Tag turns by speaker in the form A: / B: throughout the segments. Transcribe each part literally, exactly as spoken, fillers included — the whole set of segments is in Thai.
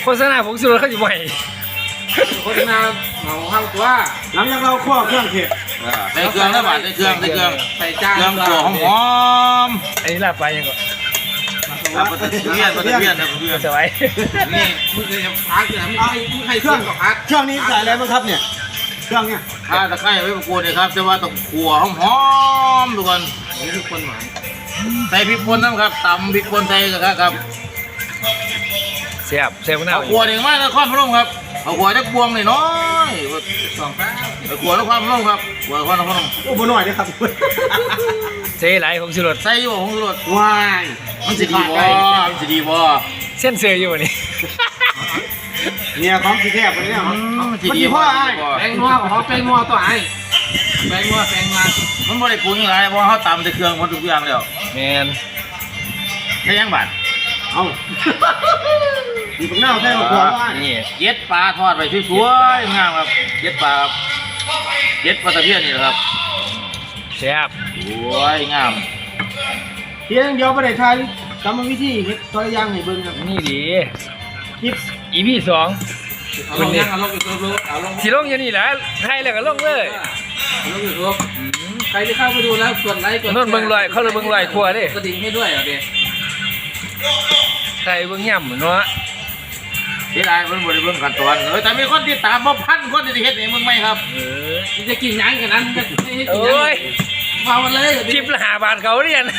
A: โฆษณาผมสุดเขาจะใหม่
B: โฆษณาเหมาเข้าตัว
C: หลังจากเราคั่วเครื่องเทศ
D: ใส่เครื่องแล้วบาดใส่เครื่องใส่เครื่อง
B: ใส่จาน
D: เครื่องตัวหอม
A: อันนี้ลาบไปยังก่อน
D: ๆครับปลาตะเพียนปลาตะเพียนนะปลาตะเพียน
A: สบาย
B: นี่มึงเคยพักเนี่ยมึงให้มึงให้เครื่องกับพัก
C: เครื่องนี้ใส่อะไรบ้างครับเนี่ยเครื่องเนี่ย
D: ข้าตะไคร้ไว้ประกวดเลยครับจะว่าต้องขัวหอมๆทุกคน
B: นี่คือคนหมาย
D: ใส่พริกป่นนะครับตำพริกป่นใส่กันครับ
A: เสียบเสียบหน้า
D: เอาขัวเองมากนะข้อพระองค์ครับเอาขัวจักบวงหน่อยน้อย
B: สองแป๊บ
D: เอาขัวแล้วความพระองค์ครับขัวข้อพระองค์
C: โอ้โหหน่อยนะครับ
A: เสียไหลของสุรส
D: ใส่อยู่ของสุรส
C: วาย
D: มันจะดีบ่มันจะดีบ่
A: เส้นเสืออยู่นี่
C: เนี่ยของสีแทบไปเนี่ย
D: มันจะดีบ่
B: แป้งนัวของแป้งนัวตัวไอ้แป้งนัวแป้งนัว
D: มันบ่ได้ปรุงยังไงเพราะเขาตำแต่เครื่องมันทุกอย่างแล้ว
A: แมน
D: ใช่ยังบาด
C: เอาดีปังหน้าใช่หรอหัวว่า
D: นี่เย็ดปลาทอดไปสวยๆงามครับเย็ดปลาครับเย็ดปลาตะเพียนนี่แหละครับ
A: เสียบ
D: สวยงาม
C: เพียงเดียวประเดี๋ยวไทยกรรมวิธีเฮ็ดตัวอย่างให้เบิ่งครับ
A: นี่ดี
C: คลิป
A: อีพีสอง
B: เอาลงยังเอาลงยูทูบเอาลง
A: สีลงอย่างนี้แหละไทยแล้วก็ลงเลย
B: เอาลงยูทูบใครที่เข้าไปดูแล้วกดไลค์กด
A: โน่นเบิ่งลอยเขาเลยเบิ่งลอยครัวดิ
B: กระดิ่งให้ด้วยอ่ะเด็ก
A: ไทยเบิ่งย่ำเนาะ
D: ที่ไรเพิ่นบ่ได้เบิ่งขั้นตอนเออแต่มีคนที่ตามบ่พันคนที่เฮ็ดให้มึงไหมครับ
A: เออ
B: จะกินยังกันนั้น
A: โอ้ย
B: มาวันเลย
A: คลิปละห้าบาทเขาเรียน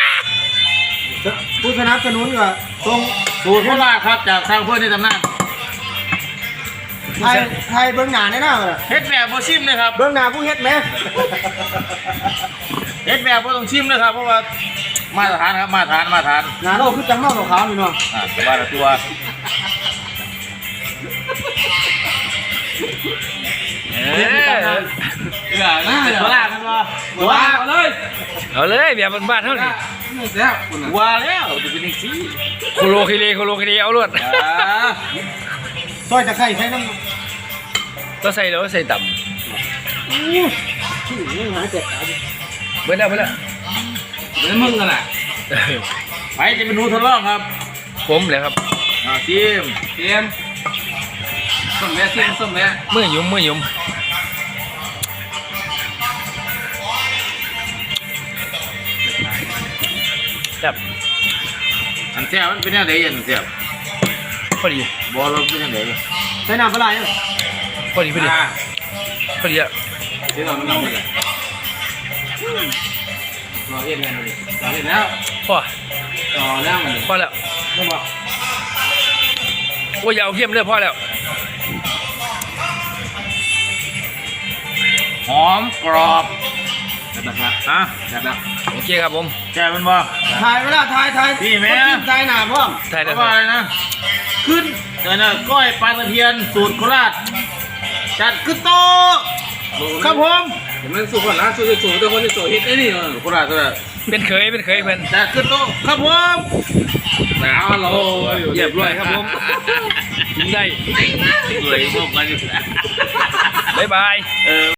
C: ผู้สนับสนุนก็ตรง
D: สูตรโคราชครับจากทางเพื่อนในตำนาน
C: ไทยไทยเบื้องหน้าแน่นอน
D: เฮ็ดแบบบ่ชิมเลยครับ
C: เบื้องหน้าผู้เฮ็ดไหม
D: เฮ็ดแบบบ่ต้องชิมเลยครับเพราะว่ามาตรฐานครับมาตรฐานมาตรฐาน
C: หน้าเราคือจังนอกขาวนี่เนาะ
D: อ่าสบายตัว
A: เออ
B: เออน่าเดี๋ยว
D: ว่ากันว่า
B: ว่าเอาเลย
A: เอาเลยแบบบ้านๆเท่านี้
D: ว่าแล้วจะเป็นอีกสิ
A: โคโลคิเลโคโลคิเลเอาลวด
C: ซอยตะไคร้ใส่น้ำ
A: ก็ใส่แล้วใส่ต่ำเบิ้ลแล้วเบิ้ลแล้ว
B: เบิ้ลมึงกันแหละ
D: ไปจะเป็นหนูทดลองครับ
A: ผมเลยครับ
D: อ่าทีม
B: ทีมส้มแม่ทีมส้มแม่
A: มือยุ่มมือยุ่มแบบ
D: อันเสียมันเป็นยังไงอันเสีย
A: พอดี
D: บอลเราเป็นยังไง
C: ใส่น้ำปลาไหล
A: พอดีพอดีพอดีอ่ะ
B: เดี๋ยวเราไม่ต้องเลยรอเย็นแล้วเลยรอเย็นแล้ว
A: พอ
B: ต่อแล้วมัน
A: พอแล้ว
B: ไม่บอก
A: โอ้ยเอาเข้มเลยพอแล้ว
D: หอมกรอบ
B: แบบนั้น
D: ฮะ
B: แบบนั้น
A: โอเคครับผม
D: แกมันบ่
C: ถ่ายเวลาถ่ายถ่าย
D: พี่แม่
C: ถ่ายหนาพ่อ
A: ถ่ายได้
D: ว่าอะไรนะขึ้นเดี๋ยวนะก้อยปลาตะเพียนสูตรโคราชจัดขึ้นโตครับผม
B: เห็นมันสูตรคนละสูตรสูตรตัวคนที่สูตรเฮ็ดไอ้นี่
D: โคราชโคราช
A: เป็นเคยเป็นเคยเพื่อน
D: จัดขึ้นโตครับผม
B: หนาวเรา
A: เรียบร้อยครับผมกินได้
D: เลยพวกกันอยู่
A: บ๊ายบาย